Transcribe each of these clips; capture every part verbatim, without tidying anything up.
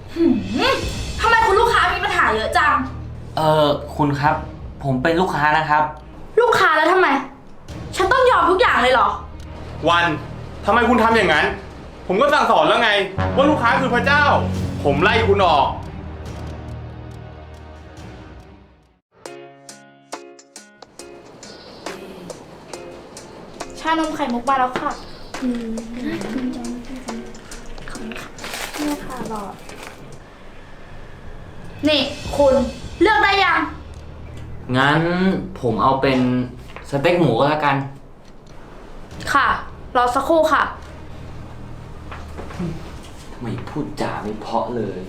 หืมทำไมคุณลูกค้ามีปัญหาเยอะจังเออคุณครับผมเป็นลูกค้านะครับลูกค้าแล้วทำไมฉันต้องยอมทุกอย่างเลยเหรอวันทำไมคุณทำอย่างนั้นผมก็สั่งสอนแล้วไงว่าลูกค้าคือพระเจ้าผมไล่คุณออกชานมไข่มุกมาแล้วค่ะอืมขอบคุณค่ะนี่ค่ะหลอดนี่คุณเลือกได้ยังงั้นผมเอาเป็นสเต็กหมูก็แล้วกันค่ะรอสักครู่ค่ะทำไมพูดจาไม่เพราะเลย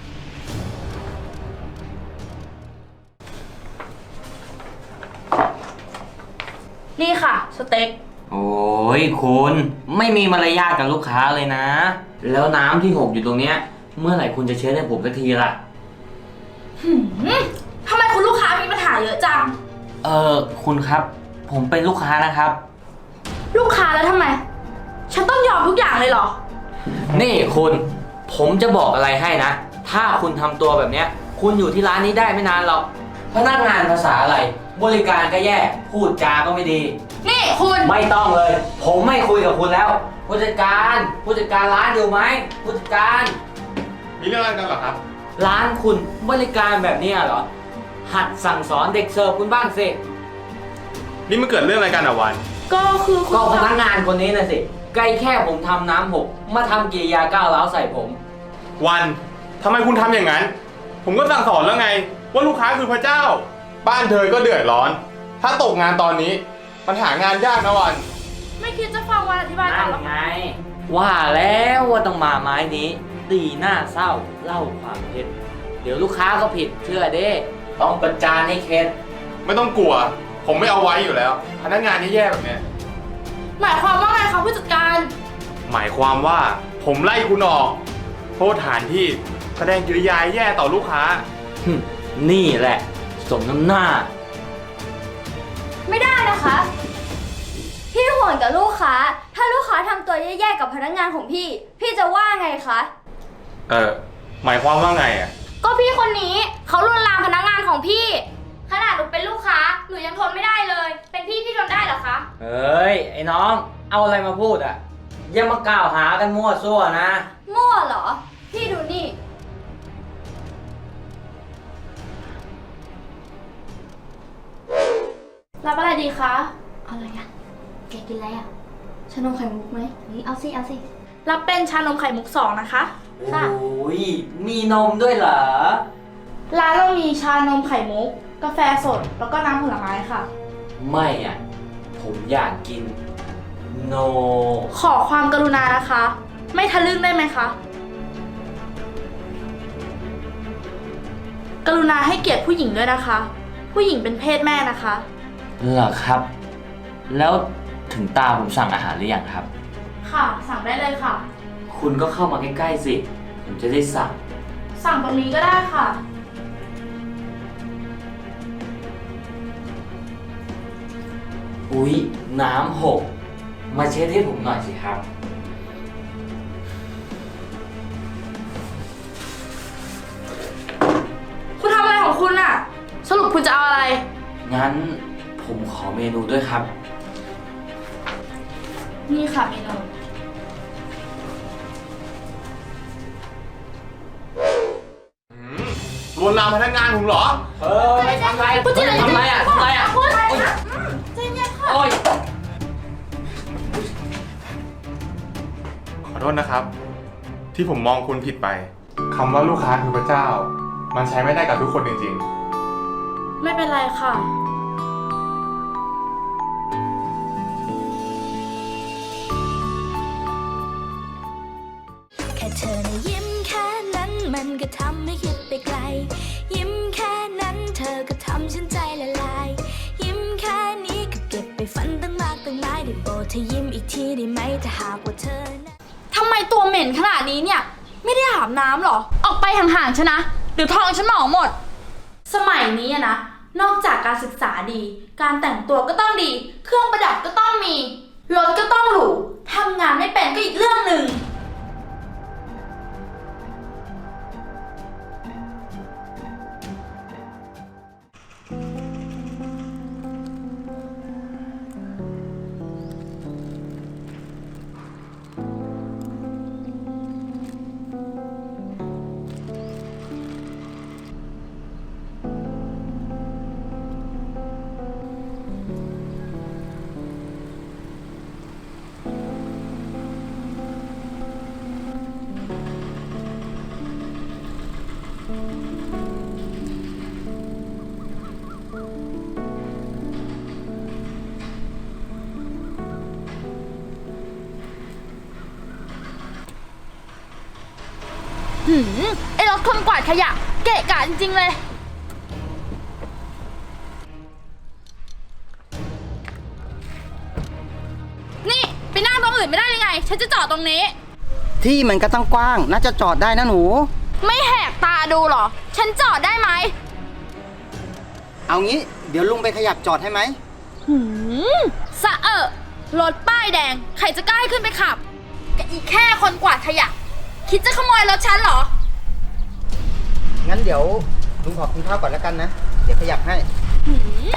นี่ค่ะสเต็กโอ้ยคุณไม่มีมารยาทกับลูกค้าเลยนะแล้วน้ำที่หกอยู่ตรงเนี้ยเมื่อไหร่คุณจะเช็ดให้ผมสักทีล่ะหืมทำไมคุณลูกค้ามีปัญหาเยอะจังเออคุณครับผมเป็นลูกค้านะครับลูกค้าแล้วทำไมฉันต้องยอมทุกอย่างเลยเหรอนี่คุณผมจะบอกอะไรให้นะถ้าคุณทำตัวแบบเนี้ยคุณอยู่ที่ร้านนี้ได้ไม่นานหรอกพนักงานภาษาอะไรบริการก็แย่พูดจาก็ไม่ดีนี่คุณไม่ต้องเลยผมไม่คุยกับคุณแล้วผู้จัดการผู้จัดการร้านอยู่ไหมผู้จัดการมีเรื่องอะไรกันเหรอครับร้านคุณบริการแบบนี้เหรอหัดสั่งสอนเด็กเสิร์ฟคุณบ้างสินี่มันเกิดเรื่องอะไรกันอ่ะวันก็คือก็พนักงานคนนี้นะสิใกล้แค่ผมทำน้ำหกมาทำกิริยาก้าวร้าวใส่ผมวันทำไมคุณทำอย่างนั้นผมก็สั่งสอนแล้วไงว่าลูกค้าคือพระเจ้าบ้านเธอก็เดือดร้อนถ้าตกงานตอนนี้ปัญหางานยากนะวันไม่คิดจะฟังวันอธิบายก่อนหรอไงว่าแล้วว่าต้องมาไม้นี้ตีหน้าเศร้าเล่าความเท็จเดี๋ยวลูกค้าก็ผิดเชื่อเด้ต้องประจานให้เข็ดไม่ต้องกลัวผมไม่เอาไว้อยู่แล้วพนักงานแย่ๆแบบนี้หมายความว่าไงคะผู้จัดการหมายความว่าผมไล่คุณออกโทษฐานที่แสดงกิริยาแย่ต่อลูกค้านี่แหละสมน้ำหน้าไม่ได้นะคะพี่ห่วงกับลูกค้าถ้าลูกค้าทำตัวแย่ๆกับพนักงานของพี่พี่จะว่าไงคะเออหมายความว่าไงอ่ะก็พี่คนนี้เขาลวนลามพนักงานของพี่ขนาดหนูเป็นลูกค้าหนูยังทนไม่ได้เลยเป็นพี่พี่ทนได้เหรอคะเฮ้ยไอ้น้องเอาอะไรมาพูดอ่ะอย่ามากล่าวหากันมั่วซั่วนะมั่วเหรอพี่ดูนี่รับอะไรดีคะอะไรอ่ะแกกินอะไรอ่ะชานมไข่มุกไหมนี่เอาสิเอาสิรับเป็นชานมไข่มุกสองนะคะค่ะโอ้ยมีนมด้วยเหรอร้านเรามีชานมไข่มุกกาแฟสดแล้วก็น้ำผลไม้ค่ะไม่อ่ะผมอยากกินโนขอความกรุณานะคะไม่ทะลึ่งได้ไหมคะกรุณาให้เกียรติผู้หญิงด้วยนะคะผู้หญิงเป็นเพศแม่นะคะเหรอครับแล้วถึงตาผมสั่งอาหารหรือยังครับค่ะสั่งได้เลยค่ะคุณก็เข้ามาใกล้ๆสิผมจะได้สั่งสั่งตรงนี้ก็ได้ค่ะอุ๊ยน้ำหกมาเช็ดให้ผมหน่อยสิครับคุณทำอะไรของคุณอะสรุปคุณจะเอาอะไรงั้นผมขอเมนูด้วยครับนี่ค่ะเมนูลวนลามพนักงานผมเหรอเออไม่ทำไรคุณจะทำไรอ่ะทำไรอ่ะคุณใจเย็นค่ะโอ้ยขอโทษนะครับที่ผมมองคุณผิดไปคำว่าลูกค้าคือพระเจ้ามันใช้ไม่ได้กับทุกคนจริงๆไม่เป็นไรค่ะแค่เธอนะยิ้มแค่นั้นมันก็ทำให้คิดไปไกลยิ้มแค่นั้นเธอก็ทำฉันใจละลายยิ้มแค่นี้ก็เก็บไปฝันตั้งมากตั้งหลายได้โปรดเธอยิ้มอีกทีได้ไหมถ้าหากว่าเธอนะทำไมตัวเหม็นขนาดนี้เนี่ยไม่ได้อาบน้ำหรอออกไปห่างๆฉันนะเดี๋ยวท้องฉันหมองหมดสมัยนี้นะนอกจากการศึกษาดีการแต่งตัวก็ต้องดีเครื่องประดับก็ต้องมีรถก็ต้องหรูทำงานไม่เป็นก็อีกเรื่องหนึ่งหืมไอ้รถคนกวาดขยะเกะกะจริงๆเลย นี่ไปนั่งตรงอื่นไม่ได้ยังไง ฉันจะจอดตรงนี้ที่มันก็ต้องกว้าง น่าจะจอดได้นะหนูไม่แหกตาดูเหรอ ฉันจอดได้ไหมเอางี้ เดี๋ยวลุงไปขยับจอดให้ไหมหืมสะเอะรถป้ายแดง ใครจะกล้าให้ขึ้นไปขับกับอีกแค่คนกวาดขยะ คิดจะขโมยรถฉันเหรองั้นเดี๋ยวลุงขอกินข้าวก่อนแล้วกันนะ เดี๋ยวขยับให้หืม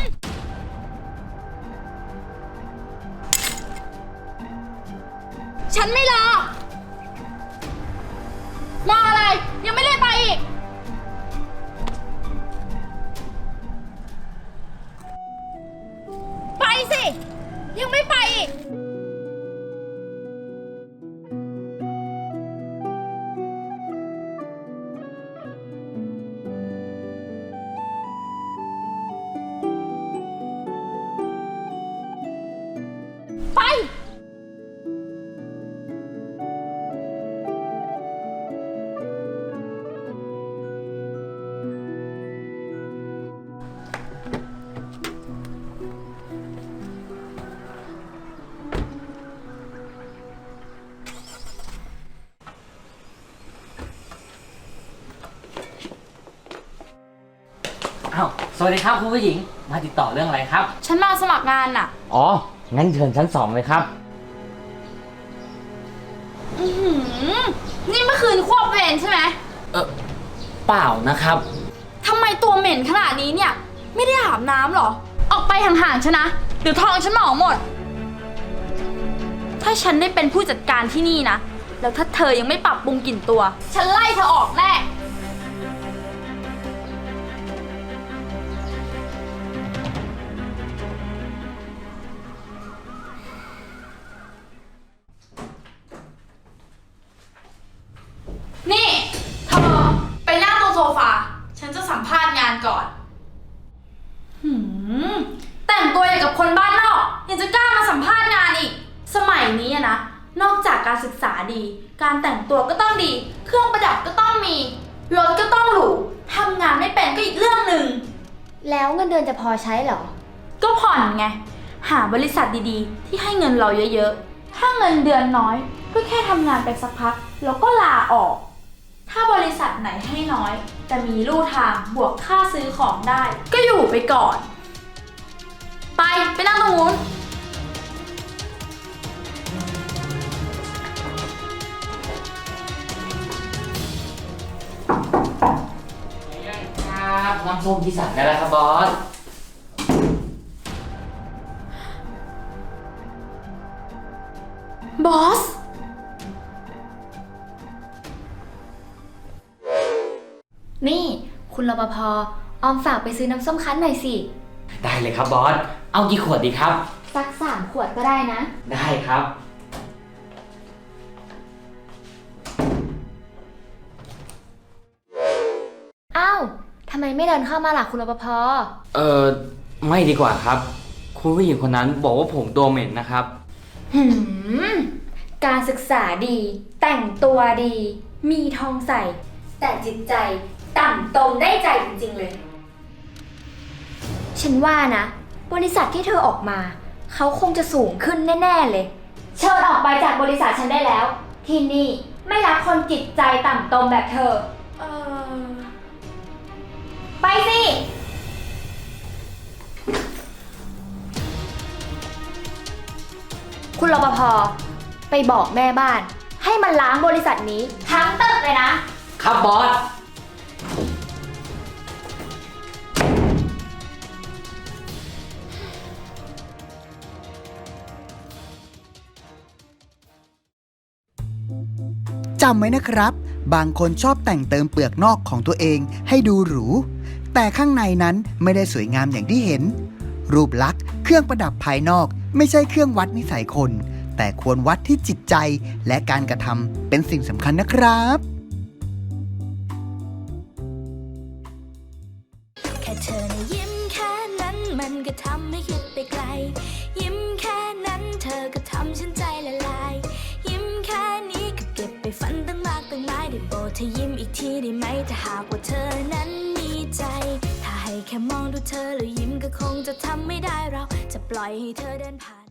ฉันไม่รอ รออะไร ยังไม่ได้ไปอีก ไปสิ ยังไม่ไปอีก ไปอ้าว สวัสดีครับคุณผู้หญิง มาติดต่อเรื่องอะไรครับฉันมาสมัครงานน่ะอ๋อ งั้นเชิญชั้นสองเลยครับอือหือนี่เมื่อคืนควบเวรใช่ไหมเออเปล่านะครับทำไมตัวเหม็นขนาดนี้เนี่ย ไม่ได้อาบน้ำหรอ ออกไปห่างๆฉันนะ เดี๋ยวท้องฉันหมองหมด ถ้าฉันได้เป็นผู้จัดการที่นี่นะ แล้วถ้าเธอยังไม่ปรับปรุงกลิ่นตัว ฉันไล่เธอออกแน่ นี่เธอไปนั่งตรงโซฟา ฉันจะสัมภาษณ์งานก่อน หืม แต่งตัวอย่างกับคนบ้านนอก ยังจะกล้ามาสัมภาษณ์งานอีก สมัยนี้อะนะ นอกจากการศึกษาดี การแต่งตัวก็ต้องดี เครื่องประดับก็ต้องมี รถก็ต้องหรู ทำงานไม่เป็นก็อีกเรื่องหนึ่งแล้วเงินเดือนจะพอใช้เหรอก็ผ่อนไง หาบริษัทดีๆ ที่ให้เงินเราเยอะๆ ถ้าเงินเดือนน้อย ก็แค่ทำงานไปสักพัก แล้วก็ลาออก ถ้าบริษัทไหนให้น้อย แต่มีลู่ทางบวกค่าซื้อของได้ ก็อยู่ไปก่อน ไป ไปนั่งตรงนู้นครับน้ำส้มที่สั่งได้แล้วครับบอสบอสนี่ คุณรปภ ออมฝากไปซื้อน้ำส้มคั้นหน่อยสิได้เลยครับบอส เอากี่ขวดดีครับสักสามขวดก็ได้นะได้ครับอ้าว ทำไมไม่เดินเข้ามาล่ะคุณรปภเออไม่ดีกว่าครับ คุณผู้หญิงคนนั้นบอกว่าผมตัวเหม็นนะครับหืม การศึกษาดี แต่งตัวดี มีทองใส่ แต่จิตใจต่ำตมได้ใจจริงๆเลย ฉันว่านะ บริษัทที่เธอออกมา เขาคงจะสูงขึ้นแน่ๆเลย เชิญออกไปจากบริษัทฉันได้แล้ว ที่นี่ไม่รับคนจิตใจต่ำตมแบบเธอเออไปสิ คุณรปภ ไปบอกแม่บ้าน ให้มันล้างบริษัทนี้ทั้งตึกเลยนะครับบอสจำไว้นะครับ บางคนชอบแต่งเติมเปลือกนอกของตัวเองให้ดูหรู แต่ข้างในนั้นไม่ได้สวยงามอย่างที่เห็น รูปลักษณ์เครื่องประดับภายนอกไม่ใช่เครื่องวัดนิสัยคน แต่ควรวัดที่จิตใจและการกระทำเป็นสิ่งสำคัญนะครับเธอนะยิ้มแค่นั้นมันก็ทำให้คิดไปไกล ยิ้มแค่นั้นเธอก็ทำฉันใจละลาย ยิ้มแค่นี้ก็เก็บไปฝันตั้งมากตั้งหลายได้โปรดเธอยิ้มอีกทีได้ไหมถ้าหากว่าเธอนั้นมีใจ ถ้าให้แค่มองดูเธอแล้วยิ้มก็คงจะทำไม่ได้เราจะปล่อยให้เธอเดินผ่าน